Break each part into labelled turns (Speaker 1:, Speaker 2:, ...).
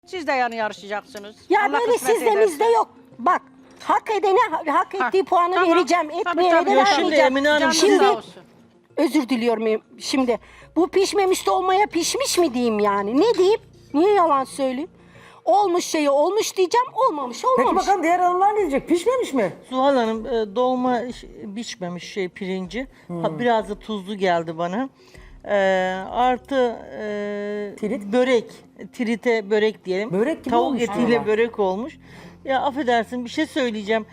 Speaker 1: Siz de yani yarışacaksınız.
Speaker 2: Ya
Speaker 1: Allah
Speaker 2: böyle
Speaker 1: kısmet
Speaker 2: sizde bizde
Speaker 1: ederse.
Speaker 2: yok. Bak hak edene hak ettiği puanı
Speaker 1: tamam.
Speaker 2: vereceğim.
Speaker 1: Tabii,
Speaker 2: Etmeyene
Speaker 1: tabii.
Speaker 2: de
Speaker 1: Yok,
Speaker 3: şimdi
Speaker 2: vermeyeceğim.
Speaker 3: Emine Hanım,
Speaker 1: Canınız
Speaker 3: siz-
Speaker 1: sağ olsun.
Speaker 2: Özür diliyorum şimdi. Bu pişmemiş de olmaya pişmiş mi diyeyim yani? Ne diyeyim? Niye yalan söyleyeyim? Olmuş şeyi olmuş diyeceğim, olmamış
Speaker 4: Peki
Speaker 2: olmamış.
Speaker 4: bakalım diğer hanımlar ne diyecek? Pişmemiş mi?
Speaker 3: Zuhal Hanım dolma biçmemiş pirinci. Biraz da tuzlu geldi bana. Artı
Speaker 4: Tirit?
Speaker 3: börek. Trite börek diyelim.
Speaker 4: Börek gibi
Speaker 3: Tavuk
Speaker 4: olmuş
Speaker 3: etiyle
Speaker 4: valla.
Speaker 3: börek olmuş. Ya affedersin bir şey söyleyeceğim.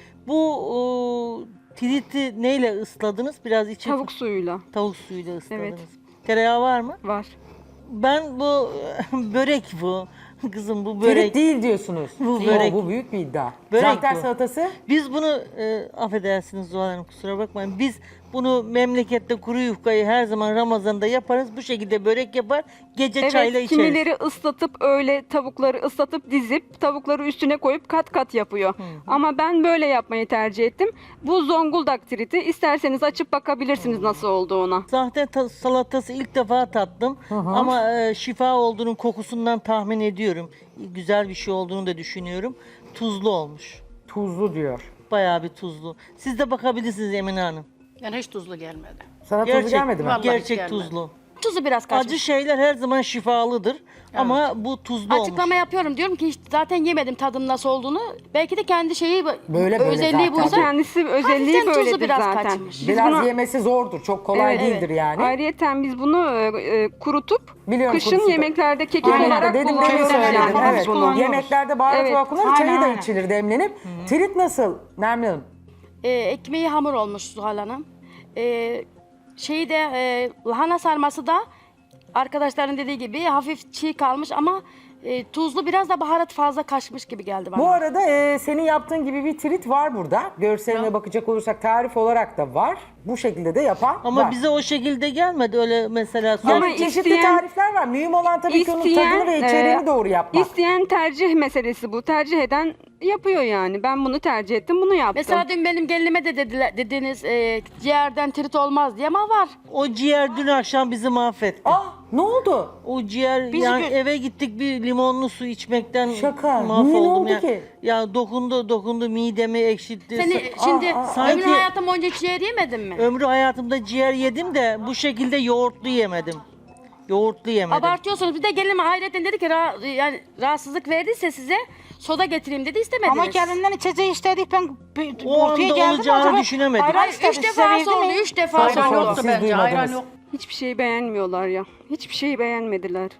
Speaker 3: Bu triti neyle ısladınız? Biraz içi
Speaker 5: Tavuk suyuyla
Speaker 3: tavuk suyuyla ısladınız.
Speaker 5: Evet.
Speaker 3: Tereyağı var mı?
Speaker 5: var.
Speaker 3: Ben bu börek bu. Kızım bu börek.
Speaker 4: Tirit değil diyorsunuz.
Speaker 3: Bu börek.
Speaker 4: Bu büyük bir iddia.
Speaker 3: Börek
Speaker 4: Zahter
Speaker 3: bu.
Speaker 4: salatası?
Speaker 3: Biz bunu affedersiniz Zuhal Hanım kusura bakmayın. Biz bunu memlekette kuru yufkayı her zaman Ramazan'da yaparız. Bu şekilde börek yapar. Gece çayla
Speaker 5: Evet,
Speaker 3: içeriz.
Speaker 5: kimileri ıslatıp öyle tavukları ıslatıp dizip tavukları üstüne koyup kat kat yapıyor. Ama ben böyle yapmayı tercih ettim. Bu Zonguldak triti. İsterseniz açıp bakabilirsiniz nasıl olduğuna.
Speaker 3: Sahte salatası ilk defa tattım. Ama şifa olduğunun kokusundan tahmin ediyorum. Güzel bir şey olduğunu da düşünüyorum. Tuzlu olmuş.
Speaker 4: Tuzlu diyor.
Speaker 3: Bayağı bir tuzlu. Siz de bakabilirsiniz Emine Hanım.
Speaker 1: Yani hiç tuzlu gelmedi.
Speaker 4: Sana tuzlu gelmedi mi?
Speaker 1: Vallahi hiç
Speaker 3: Gerçek
Speaker 1: gelmedi.
Speaker 3: tuzlu.
Speaker 6: Tuzu biraz kaçmış.
Speaker 3: Acı şeyler her zaman şifalıdır. Ama bu tuzlu
Speaker 6: Açıklama
Speaker 3: olmuş.
Speaker 6: yapıyorum. Diyorum ki hiç zaten yemedim tadının nasıl olduğunu. Belki de kendi şeyi
Speaker 4: Böyle
Speaker 6: özelliği
Speaker 4: zaten.
Speaker 6: buysa.
Speaker 5: Kendisi özelliği
Speaker 6: hafiften tuzu
Speaker 5: böyledir
Speaker 6: biraz
Speaker 5: zaten.
Speaker 6: kaçmış.
Speaker 5: Biz
Speaker 4: Biraz
Speaker 5: bunu-
Speaker 4: yemesi zordur. Çok kolay
Speaker 5: Evet,
Speaker 4: değildir yani.
Speaker 5: Ayrıyeten biz bunu kurutup
Speaker 4: Biliyorum,
Speaker 5: kışın
Speaker 4: kurutup.
Speaker 5: yemeklerde kekik
Speaker 4: Aynen,
Speaker 5: olarak
Speaker 4: dedim demin
Speaker 5: kullanıyoruz.
Speaker 4: söyledim.
Speaker 5: yani.
Speaker 4: Evet.
Speaker 5: Kullanıyoruz.
Speaker 4: Yemeklerde baharat
Speaker 5: Evet,
Speaker 4: olarak kullanılır.
Speaker 5: aynen,
Speaker 4: Çayı da
Speaker 5: aynen.
Speaker 4: içilir demlenip. Tirit nasıl Nermin Hanım?
Speaker 6: Ekmeği hamur olmuş Zuhal Hanım. Şeyi de lahana sarması da arkadaşların dediği gibi hafif çiğ kalmış ama tuzlu, biraz da baharat fazla kaçmış gibi geldi bana.
Speaker 4: Bu arada senin yaptığın gibi bir trit var burada. Görseline bakacak olursak tarif olarak da var. Bu şekilde de yapan
Speaker 3: Ama
Speaker 4: var.
Speaker 3: bize o şekilde gelmedi öyle mesela.
Speaker 4: Yani
Speaker 5: Ama
Speaker 4: çeşitli
Speaker 5: isteyen-
Speaker 4: tarifler var. Mühim olan tabii ki onun tadını ve içeriğini doğru yapmak.
Speaker 5: İsteyen tercih meselesi bu. Tercih eden yapıyor yani. Ben bunu tercih ettim, bunu yaptım.
Speaker 6: Mesela dün benim gelinime de dediniz ciğerden trit olmaz diye, ama var.
Speaker 3: O ciğer dün akşam bizi mahvetti.
Speaker 4: Ah ne oldu?
Speaker 3: O ciğer
Speaker 4: Bizi
Speaker 3: yani
Speaker 4: gö-
Speaker 3: eve gittik bir limonlu su içmekten
Speaker 4: Şaka. Niye, ne
Speaker 3: mahvoldum
Speaker 4: oldu
Speaker 3: ya.
Speaker 4: ki?
Speaker 3: Ya dokundu midemi ekşitti.
Speaker 6: Seni şimdi
Speaker 3: sanki-
Speaker 6: ömrün hayatım boyunca ciğer yemedin mi?
Speaker 3: Ömrü hayatımda ciğer yedim de bu şekilde yoğurtlu yemedim. Yoğurtlu yemedim.
Speaker 6: Abartıyorsunuz. Bir de gelinim hayretten dedi ki yani rahatsızlık verdiyse size soda getireyim dedi, istemediniz.
Speaker 7: Ama gelinden içeceği istedik ben
Speaker 3: O
Speaker 7: ortaya
Speaker 3: anda
Speaker 7: geldim
Speaker 3: olacağını
Speaker 7: acaba
Speaker 3: düşünemedim.
Speaker 7: ayran
Speaker 6: Hayır,
Speaker 7: istedi,
Speaker 6: 3
Speaker 7: size
Speaker 6: defa
Speaker 7: verdi
Speaker 6: oldu,
Speaker 7: mi?
Speaker 6: 3 defa
Speaker 4: Hayır,
Speaker 6: oldu.
Speaker 4: yoktu,
Speaker 1: Yoktu
Speaker 4: siz
Speaker 1: bence, ayran
Speaker 4: duymadınız.
Speaker 1: yok.
Speaker 5: Hiçbir şeyi beğenmiyorlar ya. Hiçbir şeyi beğenmediler.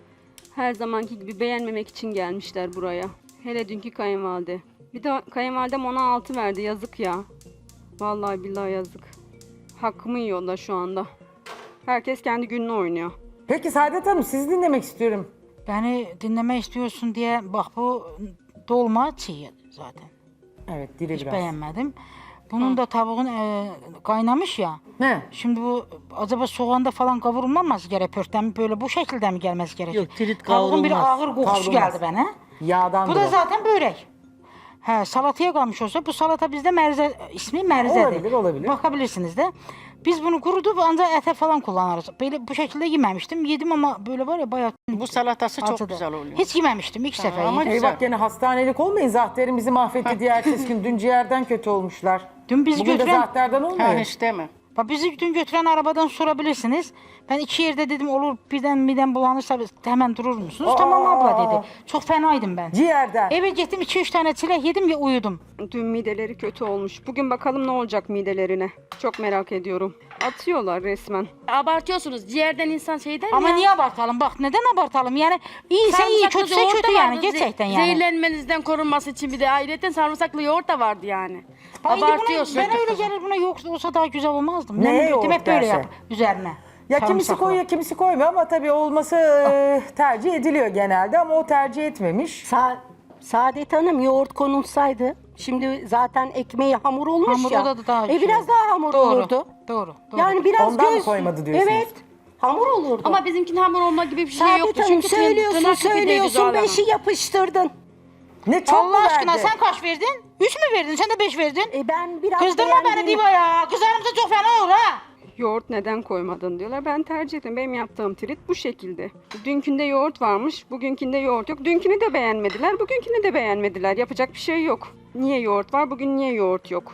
Speaker 5: Her zamanki gibi beğenmemek için gelmişler buraya. Hele dünkü kayınvalide. Bir de kayınvalidem ona 6 verdi. Yazık ya. Vallahi billahi yazık. Hakkımı yiyorlar şu anda. Herkes kendi gününü oynuyor.
Speaker 4: Peki Saadet Hanım sizi dinlemek istiyorum.
Speaker 7: Beni dinleme istiyorsun diye bak bu dolma çiğ zaten.
Speaker 4: Evet diri
Speaker 7: Hiç
Speaker 4: biraz.
Speaker 7: beğenmedim. Bunun da tavuğun kaynamış ya.
Speaker 4: Ne?
Speaker 7: Şimdi bu acaba soğanda falan kavrulmaması gerek pörtten böyle bu şekilde mi gelmesi gerekiyor?
Speaker 3: Yok, tirit
Speaker 7: Tavuğun bir
Speaker 3: kavrulmaz.
Speaker 7: ağır kokusu
Speaker 4: Kavrulmaz.
Speaker 7: geldi bana.
Speaker 4: Yağdan
Speaker 7: Bu da zaten börek. He, salataya kalmış olsa bu salata bizde merze, ismi merzedir.
Speaker 4: Olabilir, olabilir.
Speaker 7: Bakabilirsiniz de. Biz bunu kurutup ancak ete falan kullanırız. Böyle bu şekilde yememiştim. Yedim ama böyle var ya bayağı
Speaker 1: Bu salatası çok
Speaker 7: acıdı.
Speaker 1: güzel oluyor.
Speaker 7: Hiç yememiştim ilk sefer
Speaker 1: ama
Speaker 7: yedim.
Speaker 1: güzel.
Speaker 4: Eyvah gene hastanelik olmayın. Zahter'in bizi mahvetti diye ertesi gün. Dün ciğerden kötü olmuşlar.
Speaker 7: Dün bizi
Speaker 4: Bugün de
Speaker 7: götüren-
Speaker 4: Zahter'den
Speaker 1: Ha,
Speaker 4: olmuyor.
Speaker 1: hiç deme.
Speaker 7: Bak bizi dün götüren arabadan sorabilirsiniz. Ben 2 yerde dedim olur birden bulanırsa hemen durur musunuz? Tamam abla dedi. Çok fenaydım ben.
Speaker 4: Ciğerden.
Speaker 7: Eve gittim 2-3 tane çilek yedim ve uyudum.
Speaker 5: Dün mideleri kötü olmuş. Bugün bakalım ne olacak midelerine. Çok merak ediyorum. Atıyorlar resmen.
Speaker 6: Abartıyorsunuz. Ciğerden insan şey der
Speaker 7: Ama
Speaker 6: ya.
Speaker 7: niye abartalım? Bak neden abartalım? Yani iyiyse iyi,
Speaker 6: Sarımsaklı
Speaker 7: kötüse
Speaker 6: yoğurt
Speaker 7: kötü
Speaker 6: da
Speaker 7: yani
Speaker 6: vardı.
Speaker 7: gerçekten yani.
Speaker 6: Zehirlenmenizden korunması için bir de ayrıca sarımsaklı yoğurt da vardı yani.
Speaker 7: Bak şimdi buna-
Speaker 6: Abartıyorsun.
Speaker 7: Ben öyle gelir buna yok olsa daha güzel olmazdı.
Speaker 4: Neye
Speaker 7: Ben
Speaker 4: yoğurt
Speaker 7: gittim hep böyle
Speaker 4: derse?
Speaker 7: yap üzerine.
Speaker 4: Ya kimisi
Speaker 7: Sarımsaklı.
Speaker 4: koyuyor kimisi koymuyor ama tabii olması tercih ediliyor genelde ama o tercih etmemiş.
Speaker 2: Saadet Hanım yoğurt konulsaydı şimdi zaten ekmeği hamur olmuş
Speaker 7: Hamur
Speaker 2: ya.
Speaker 7: o da daha şey.
Speaker 2: Biraz daha hamur
Speaker 7: Doğru,
Speaker 2: olurdu.
Speaker 7: Doğru.
Speaker 2: Yani biraz
Speaker 4: Ondan mı
Speaker 2: göz...
Speaker 4: koymadı diyorsunuz?
Speaker 2: Evet. Hamur olurdu.
Speaker 6: Ama bizimkinin hamur olma gibi bir şey
Speaker 2: Saadet
Speaker 6: yoktu.
Speaker 2: Hanım
Speaker 6: Çünkü
Speaker 2: söylüyorsun
Speaker 6: Zuhal Hanım.
Speaker 2: 5'i yapıştırdın.
Speaker 4: Ne çok mu
Speaker 7: Allah aşkına
Speaker 4: verdi?
Speaker 7: sen kaç verdin? 3 mü verdin? Sen de 5 verdin.
Speaker 2: Ben biraz
Speaker 7: Kızdırma beni
Speaker 2: beğendiğim-
Speaker 7: Diva ya. Kızarımsa çok fena olur ha.
Speaker 5: Yoğurt neden koymadın diyorlar. Ben tercih ettim. Benim yaptığım trit bu şekilde. Dünkünde yoğurt varmış, bugünkünde yoğurt yok. Dünkünü de beğenmediler, bugünkünü de beğenmediler. Yapacak bir şey yok. Niye yoğurt var, bugün niye yoğurt yok?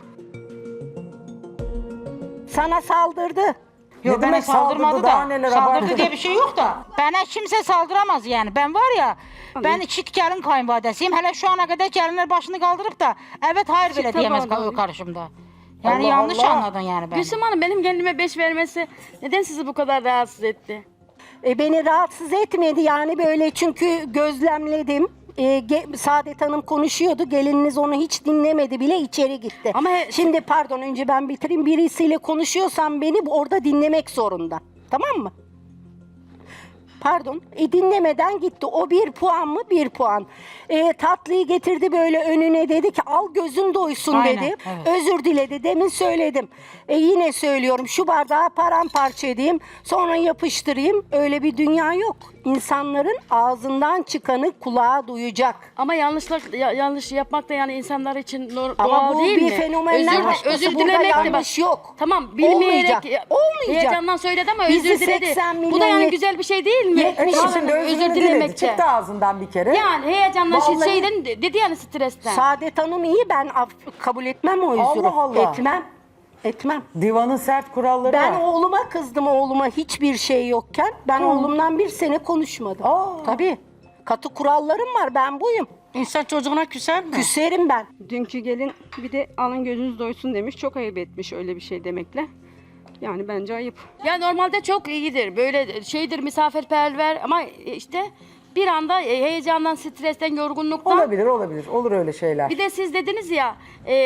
Speaker 2: Sana saldırdı.
Speaker 7: Yok
Speaker 4: Ne
Speaker 7: bana
Speaker 4: demek saldırdı,
Speaker 7: saldırmadı
Speaker 4: daha
Speaker 7: da.
Speaker 4: neler
Speaker 7: Saldırdı
Speaker 4: abartı.
Speaker 7: diye bir şey yok da. Bana kimse saldıramaz yani. Ben var ya, ben iki gelin kayınvalidesiyim. Hele şu ana kadar gelinler başını kaldırıp da evet hayır bile
Speaker 5: tabağı
Speaker 7: diyemez
Speaker 5: da alayım.
Speaker 7: karşımda. Yani
Speaker 4: Allah
Speaker 7: yanlış
Speaker 4: Allah.
Speaker 7: anladın yani beni.
Speaker 6: Gülsüm Hanım benim gelinime 5 vermesi neden sizi bu kadar rahatsız etti?
Speaker 2: Beni rahatsız etmedi yani böyle çünkü gözlemledim. Saadet Hanım konuşuyordu. Gelininiz onu hiç dinlemedi bile içeri gitti.
Speaker 6: Ama
Speaker 2: Şimdi pardon önce ben bitireyim. Birisiyle konuşuyorsam beni orada dinlemek zorunda. Tamam mı? Pardon. Dinlemeden gitti. O 1 puan mı? 1 puan. Tatlıyı getirdi böyle önüne dedi ki al gözün doysun
Speaker 7: Aynen,
Speaker 2: dedi.
Speaker 7: evet.
Speaker 2: Özür diledi. Demin söyledim. Yine söylüyorum. Şu bardağı paramparça edeyim. Sonra yapıştırayım. Öyle bir dünya yok. İnsanların ağzından çıkanı kulağa duyacak.
Speaker 6: Ama yanlış yapmak da yani insanlar için
Speaker 2: Ama
Speaker 6: doğal
Speaker 2: bu
Speaker 6: değil
Speaker 2: bir
Speaker 6: mi?
Speaker 2: fenomenler başkası.
Speaker 6: özür
Speaker 2: Burada
Speaker 6: dilemek de bak.
Speaker 2: yanlış yok.
Speaker 6: Tamam bilmeyerek
Speaker 2: Olmayacak. Olmayacak.
Speaker 6: heyecandan söyledi ama
Speaker 2: Bizi
Speaker 6: özür diledi.
Speaker 2: 80
Speaker 6: Bu da yani
Speaker 2: milyon
Speaker 6: güzel bir şey değil mi?
Speaker 2: Yetmiş
Speaker 6: Yani
Speaker 4: Şimdi özür diledi.
Speaker 6: dilemekte.
Speaker 4: Çıktı ağzından bir kere.
Speaker 6: Yani heyecandan
Speaker 2: Vallahi-
Speaker 6: şeyden dedi yani stresten.
Speaker 2: Saadet Hanım iyi ben kabul etmem o özürü.
Speaker 4: Allah Allah.
Speaker 2: Etmem.
Speaker 4: Divanın sert kuralları
Speaker 2: Ben
Speaker 4: var.
Speaker 2: oğluma kızdım oğluma hiçbir şey yokken. Ben oğlumdan 1 sene konuşmadım.
Speaker 4: Aa.
Speaker 2: Tabii. Katı kurallarım var ben buyum.
Speaker 1: İnsan çocuğuna küser mi?
Speaker 2: Küserim ben.
Speaker 5: Dünkü gelin bir de alın gözünüz doysun demiş. Çok ayıp etmiş öyle bir şey demekle. Yani bence ayıp.
Speaker 6: Ya normalde çok iyidir. Böyle şeydir misafirperver ama işte bir anda heyecandan, stresten, yorgunluktan.
Speaker 4: Olabilir. Olur öyle şeyler.
Speaker 6: Bir de siz dediniz ya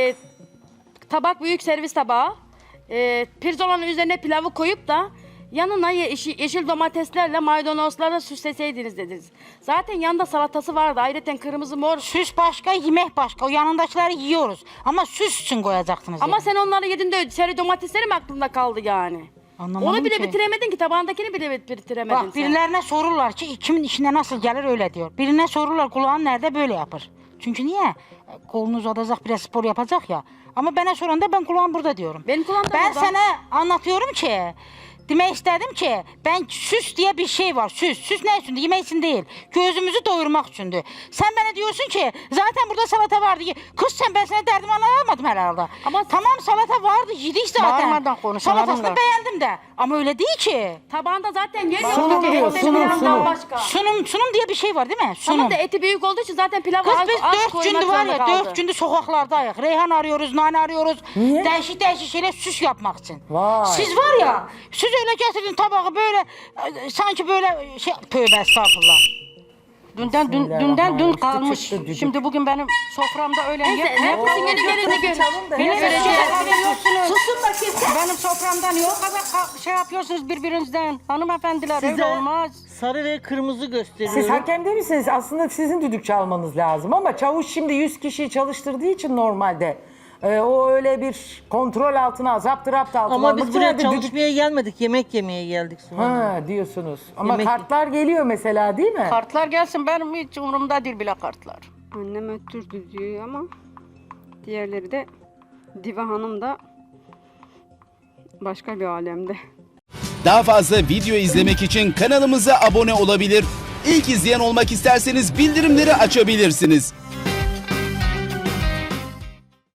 Speaker 6: tabak büyük servis tabağı. Pirzolanın üzerine pilavı koyup da yanına yeşil domateslerle maydanozlarla süsleseydiniz dediniz. Zaten yanında salatası vardı. Ayrıca kırmızı mor.
Speaker 7: Süs başka, yemek başka. O yanındakileri yiyoruz. Ama süs için koyacaksınız.
Speaker 6: Ama
Speaker 7: yani.
Speaker 6: sen onları yedin de seri domatesleri mi aklında kaldı yani?
Speaker 7: Anlamadım
Speaker 6: Onu bile
Speaker 7: ki.
Speaker 6: bitiremedin ki tabağındakini bile bitiremedin
Speaker 7: Bak
Speaker 6: sen.
Speaker 7: birilerine sorurlar ki kimin işine nasıl gelir öyle diyor. Birine sorurlar kulağın nerede böyle yapar. Çünkü niye? Kolunu uzatacak biraz spor yapacak ya. Ama bana soranda ben kulağım burada diyorum.
Speaker 6: Benim kulağım da
Speaker 7: Ben
Speaker 6: burada.
Speaker 7: sana anlatıyorum ki demek istedim ki ben süs diye bir şey var. Süs ne içindi? Yemek için değil. Gözümüzü doyurmak içindi. Sen bana diyorsun ki zaten burada salata vardı. Kız sen ben sana derdimi anlamadım herhalde.
Speaker 6: Ama-
Speaker 7: tamam salata vardı yedik zaten.
Speaker 1: Bağırmadan konuşalım
Speaker 7: Salatasını
Speaker 1: hanımlar.
Speaker 7: beğendim de. Ama öyle değil ki.
Speaker 6: Tabağında zaten yer
Speaker 4: Sunum
Speaker 6: yoktu.
Speaker 4: diyor,
Speaker 6: Eti
Speaker 4: sunum,
Speaker 6: pilavdan
Speaker 4: sunum.
Speaker 6: başka.
Speaker 7: Sunum diye bir şey var değil mi? Sunum.
Speaker 6: Tamam da eti büyük olduğu için zaten pilavı
Speaker 7: Kız
Speaker 6: az,
Speaker 7: biz
Speaker 6: az
Speaker 7: 4
Speaker 6: koymak
Speaker 7: gündür var
Speaker 6: zorunda
Speaker 7: ya
Speaker 6: kaldı.
Speaker 7: 4 gündür sokaklardayız. Reyhan arıyoruz, nane arıyoruz.
Speaker 4: Niye?
Speaker 7: Değişik şeyler süs yapmak için.
Speaker 4: Vay.
Speaker 7: Siz var ya siz öyle getirdin tabağı böyle sanki böyle şey tövbe estağfurullah.
Speaker 1: Dünden dün
Speaker 4: Bismillahirrahmanirrahim.
Speaker 1: kalmış.
Speaker 4: Çıktı düdük.
Speaker 1: Şimdi bugün benim soframda öyle
Speaker 6: Neyse, herkesin günü gelince gör.
Speaker 4: Çalın da
Speaker 1: Beni
Speaker 4: neyse.
Speaker 1: göreceğiz.
Speaker 2: Susun bakayım.
Speaker 1: Benim soframdan yok kadar şey yapıyorsunuz birbirinizden. Hanımefendiler öyle olmaz.
Speaker 3: Sarı ve kırmızı gösteriyorum.
Speaker 4: Siz hakemde misiniz? Aslında sizin düdük çalmanız lazım ama çavuş şimdi 100 kişiyi çalıştırdığı için normalde o öyle bir kontrol altına, zapturapt altına
Speaker 3: Ama
Speaker 4: almak
Speaker 3: biz
Speaker 4: için
Speaker 3: buraya
Speaker 4: herhalde düdük-
Speaker 3: çalışmaya gelmedik, yemek yemeye geldik sonra.
Speaker 4: Ha diyorsunuz. Ama
Speaker 3: Yemek-
Speaker 4: kartlar geliyor mesela değil mi?
Speaker 1: Kartlar gelsin benim hiç umurumda değil bile kartlar.
Speaker 5: Annem öttürdü diyor ama diğerleri de Diva Hanım da başka bir alemde.
Speaker 8: Daha fazla video izlemek için kanalımıza abone olabilir. İlk izleyen olmak isterseniz bildirimleri açabilirsiniz.